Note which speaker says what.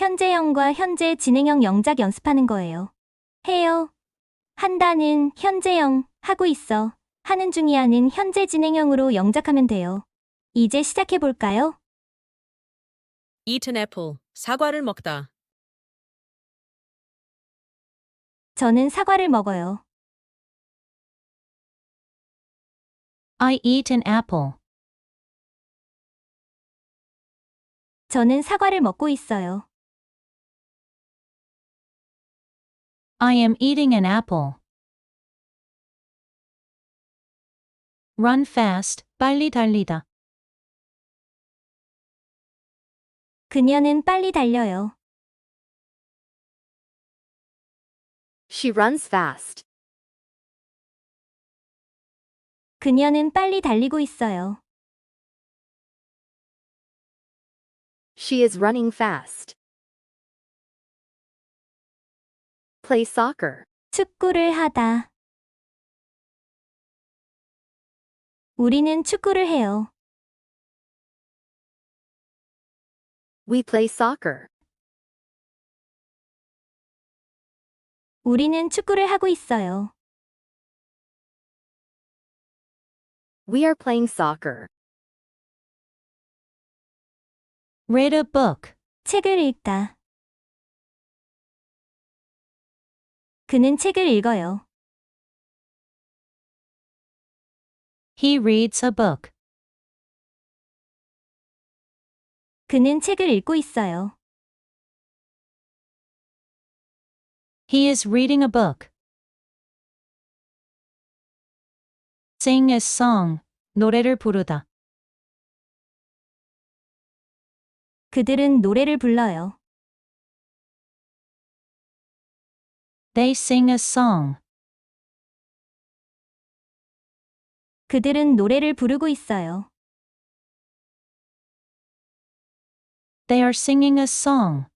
Speaker 1: 현재형과 현재 진행형 영작 연습하는 거예요. 해요. 한다는 현재형, 하고 있어. 하는 중이야는 현재 진행형으로 영작하면 돼요. 이제 시작해 볼까요?
Speaker 2: Eat an apple. 사과를 먹다.
Speaker 1: 저는 사과를 먹어요.
Speaker 3: I eat an apple.
Speaker 1: 저는 사과를 먹고 있어요.
Speaker 3: I am eating an apple. Run fast. 빨리 달리다.
Speaker 1: 그녀는 빨리 달려요.
Speaker 4: She runs fast.
Speaker 1: 그녀는 빨리 달리고 있어요.
Speaker 4: She is running fast. Play soccer.
Speaker 1: 축구를 하다. 우리는 축구를 해요.
Speaker 4: We play soccer.
Speaker 1: 우리는 축구를 하고 있어요.
Speaker 4: We are playing soccer.
Speaker 3: Read a book.
Speaker 1: 책을 읽다. 그는 책을 읽어요.
Speaker 3: He reads a book.
Speaker 1: 그는 책을 읽고 있어요.
Speaker 3: He is reading a book. Sing a song. 노래를 부르다.
Speaker 1: 그들은 노래를 불러요.
Speaker 3: They sing a song.
Speaker 1: 그들은 노래를 부르고 있어요.
Speaker 3: They are singing a song.